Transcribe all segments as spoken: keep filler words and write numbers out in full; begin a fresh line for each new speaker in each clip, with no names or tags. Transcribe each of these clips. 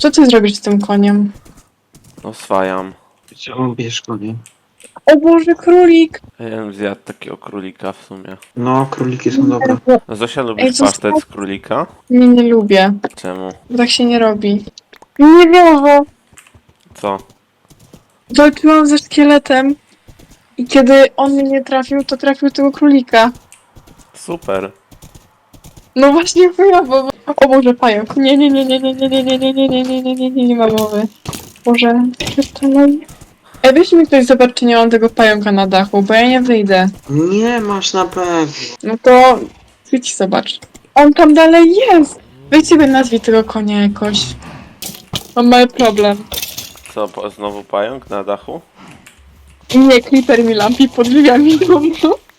Co ty zrobisz z tym koniem?
No swajam.
Chciałbym bierz konie.
O Boże, królik!
Ja bym zjadł takiego królika w sumie.
No, króliki są dobre.
No Zosia,
Ej,
lubisz
co
pasztet
sta-
z królika?
Nie, nie lubię.
Czemu?
Bo tak się nie robi. Nie wierzę!
Co?
Walczyłam ze szkieletem i kiedy on mnie nie trafił, to trafił tego królika.
Super.
No właśnie chujowo. O Boże, pająk. Nie, nie, nie, nie, nie, nie, nie, nie, nie, nie, nie, nie, nie, nie, nie, nie ma mowy. Boże, przestanę. Ej, weź mi ktoś zobacz, czy nie mam tego pająka na dachu, bo ja nie wyjdę.
Nie masz na pewno.
No to idź zobacz. On tam dalej jest! Weź sobie nazwij tego konia jakoś. Mam mały problem.
Co, po, znowu pająk na dachu?
Nie, Creeper mi lampi pod drzwiami domu.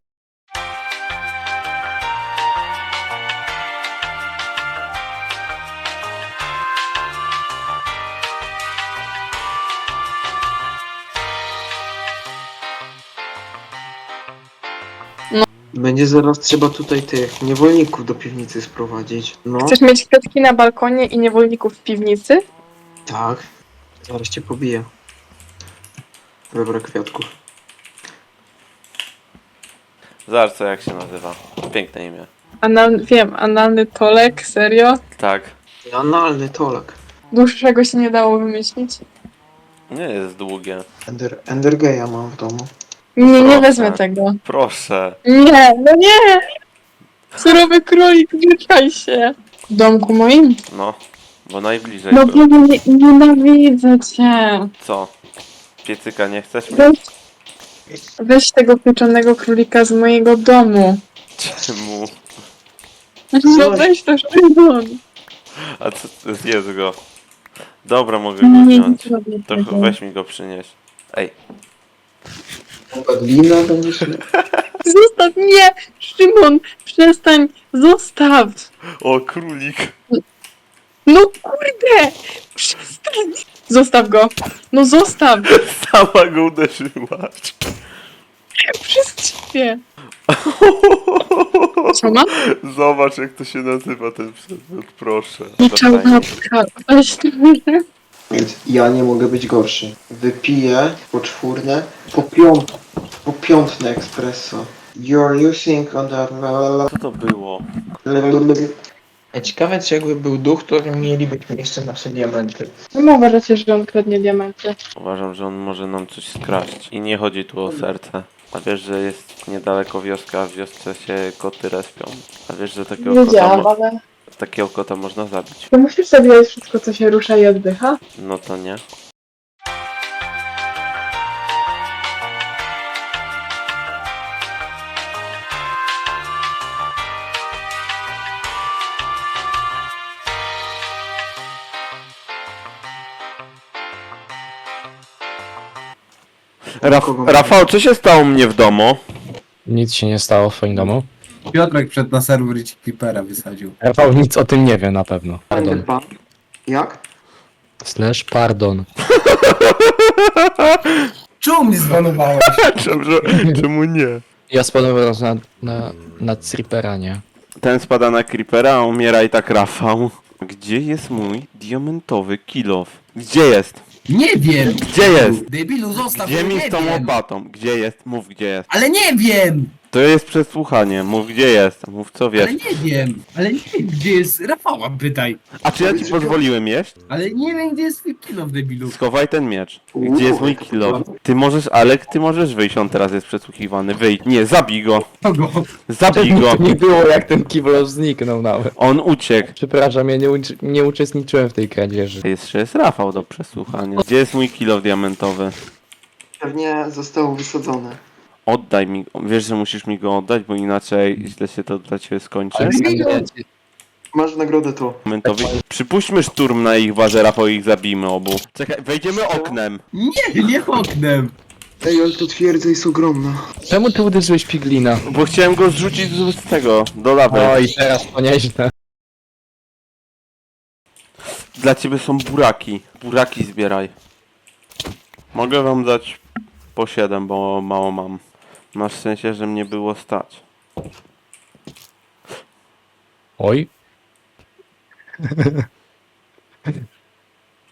Będzie zaraz trzeba tutaj tych niewolników do piwnicy sprowadzić. No,
Chcesz mieć kwiatki na balkonie i niewolników w piwnicy?
tak. Zaraz cię pobiję. Dobra, kwiatków.
Zobacz co jak się nazywa. Piękne imię.
Anal... Wiem, analny Tolek, serio?
Tak.
Analny tolek.
Dłuższego się nie dało wymyślić.
Nie jest długie.
Ender, Endergeja mam w domu.
Nie, nie
Proszę.
wezmę tego.
Proszę.
Nie, no nie! Surowy królik, wyczaj się! W domku moim?
No. Bo najbliżej
No
był.
bo nie, nienawidzę cię.
Co? Piecyka nie chcesz mieć?
Weź, weź tego pieczonego królika z mojego domu.
Czemu?
No weź to Szymon.
A co, zjedz go. Dobra, mogę
Nie,
go
nie
wziąć.
zrobię
To
tego.
ch- weź mi go przynieś. Ej.
Glina będziesz...
Zostaw mnie! Szymon, przestań! Zostaw!
O, królik.
No kurde! Przestań! Zostaw go! No zostaw!
Sama go uderzyłaś.
Przez ciebie! Co ma?
Zobacz jak to się nazywa ten przedmiot, proszę.
Nie
Zapomnij.
czałapka. Weź to.
Więc ja nie mogę być gorszy. Wypiję poczwórne, po piąt... po piątne espresso. You're using on the...
Co to było?
Ciekawe, czy jakby był duch, to mielibyśmy jeszcze nasze diamenty.
No uważacie, że on kradnie diamenty.
Uważam, że on może nam coś skraść. I nie chodzi tu o serce. A wiesz, że jest niedaleko wioska, a w wiosce się koty respią. A wiesz, że takiego kota,
Wiedziałam,
mo-
ale...
takiego kota można zabić.
To musisz zabijać wszystko, co się rusza i oddycha?
No to nie. Raf- Rafał, co się stało u mnie w domu?
Nic się nie stało w twoim domu.
Piotrek przed na serwer i ci Creepera wysadził.
Rafał nic o tym nie wie na pewno. Pardon.
Enderpan. Jak?
Slash pardon.
Czemu mnie zbanowałeś?
Czemu, czemu nie?
Ja spadłem raz na, na, na Creepera, nie?
Ten spada na creepera, a umiera i tak Rafał. Gdzie jest mój diamentowy kilof? Gdzie jest?
Nie wiem!
Gdzie jest?
Debilu, zostaw
Gdzie
mnie,
mi
nie
z tą
wiem!
łopatą? Gdzie jest? Mów gdzie jest.
Ale nie wiem!
To jest przesłuchanie. Mów gdzie jest. Mów co wiesz.
Ale nie wiem! Ale nie wiem, gdzie jest Rafała, pytaj!
A czy ja ci pozwoliłem jeść?
Ale nie wiem, gdzie jest twój kilo w debilu.
Schowaj ten miecz. Gdzie jest mój kilof? Ty możesz, Alek, ty możesz wyjść, on teraz jest przesłuchiwany. Wyjdź. Nie, zabij go.
Kogo?
Zabij go.
To nie było jak ten kibel zniknął nawet.
On uciekł.
Przepraszam, ja nie, uczy- nie uczestniczyłem w tej kradzieży.
Jeszcze jest Rafał do przesłuchania. Gdzie jest mój kilof diamentowy?
Pewnie zostało wysadzone.
Oddaj mi. Wiesz, że musisz mi go oddać, bo inaczej źle się to dla ciebie skończy.
Ale
Debilu!
Masz nagrodę to.
Momentowi. Przypuśćmy szturm na ich bazę, Rafał, i ich zabijmy obu. Czekaj, wejdziemy oknem.
Nie, nie oknem!
Ej, ale to twierdza jest ogromna.
Czemu ty uderzyłeś piglina?
Bo chciałem go zrzucić z z tego, do lawy.
O i teraz to nieźle.
Dla ciebie są buraki. Buraki zbieraj. Mogę wam dać po siedem, bo mało mam. Na szczęście, że mnie było stać.
Oj.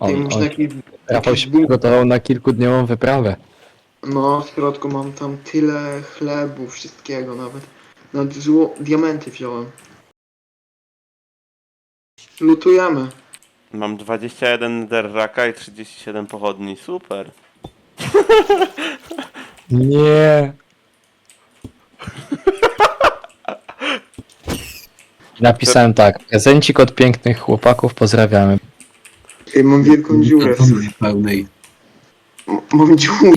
Ty
On,
masz
on,
taki...
Rafał się przygotował na kilkudniową wyprawę.
No, w środku mam tam tyle chlebu, wszystkiego nawet. Nawet zło... diamenty wziąłem. Lutujemy.
Mam dwadzieścia jeden netherracka i trzydzieści siedem pochodni. Super.
Nie. Napisałem tak. Prezencik od pięknych chłopaków, pozdrawiamy.
Ej, mam wielką dziurę.
Kartony pełnej.
M- Mam dziurę.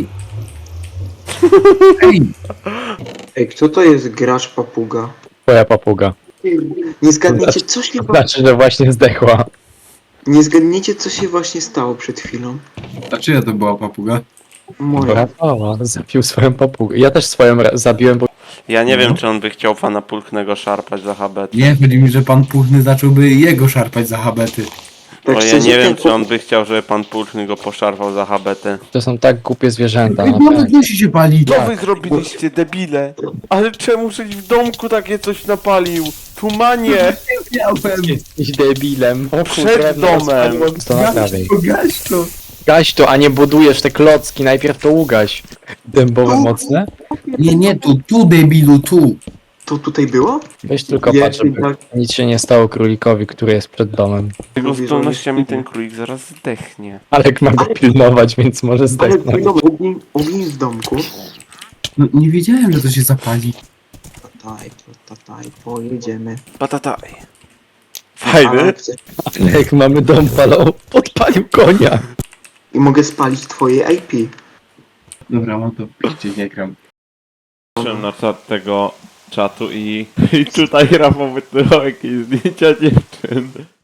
Ej,
Ej, kto to jest gracz papuga?
Twoja papuga.
Nie zgadniecie, co się... wa-
Znaczy, że właśnie zdechła.
Nie zgadniecie, co się właśnie stało przed chwilą.
a czyja to była papuga?
Moja.
Rafała zabił swoją papugę. Ja też swoją ra- zabiłem, bo
Ja nie
No.
wiem, czy on by chciał pana Pulchnego szarpać za habety.
Nie, chodzi mi, że pan Puchny zacząłby jego szarpać za habety.
Bo ja
szczerze,
nie wiem,
ten
czy on by chciał, żeby pan Pulchny go poszarpał za habety.
to są tak głupie zwierzęta.
Ej,
naprawdę.
nawet musi się palić.
Co wy zrobiliście, debile? Ale czemu żeś w domku takie coś napalił? Tumanie!
Miałem.
Jesteś debilem. O,
Przed
kurde,
domem.
spadło To naprawiej.
to, gaś to.
Gaś to, a nie budujesz te klocki. Najpierw to ugaś. Dębowe mocne?
Nie, nie, tu, tu debilu, tu.
To tutaj było?
Weź tylko
Nie,
patrz, żeby
tak.
nic się nie stało królikowi, który jest przed domem.
Jego
Mówię, że
zdolnościami
on jest
ten królik zaraz zdechnie.
Alek ma go pilnować, więc może
Ale
zdechnąć.
no, ogień, ogień w domku.
No, nie wiedziałem, że to się zapali.
Tataj, tataj, pojedziemy.
Patataj. Fajny.
Ale chcę-
Alek, mamy dom palą. Podpalił konia.
I mogę spalić twoje I P.
Dobra, mam to piszcie, nie gram.
Patrzyłem na czat tego czatu i, i tutaj Rafał wytywał jakieś zdjęcia dziewczyn.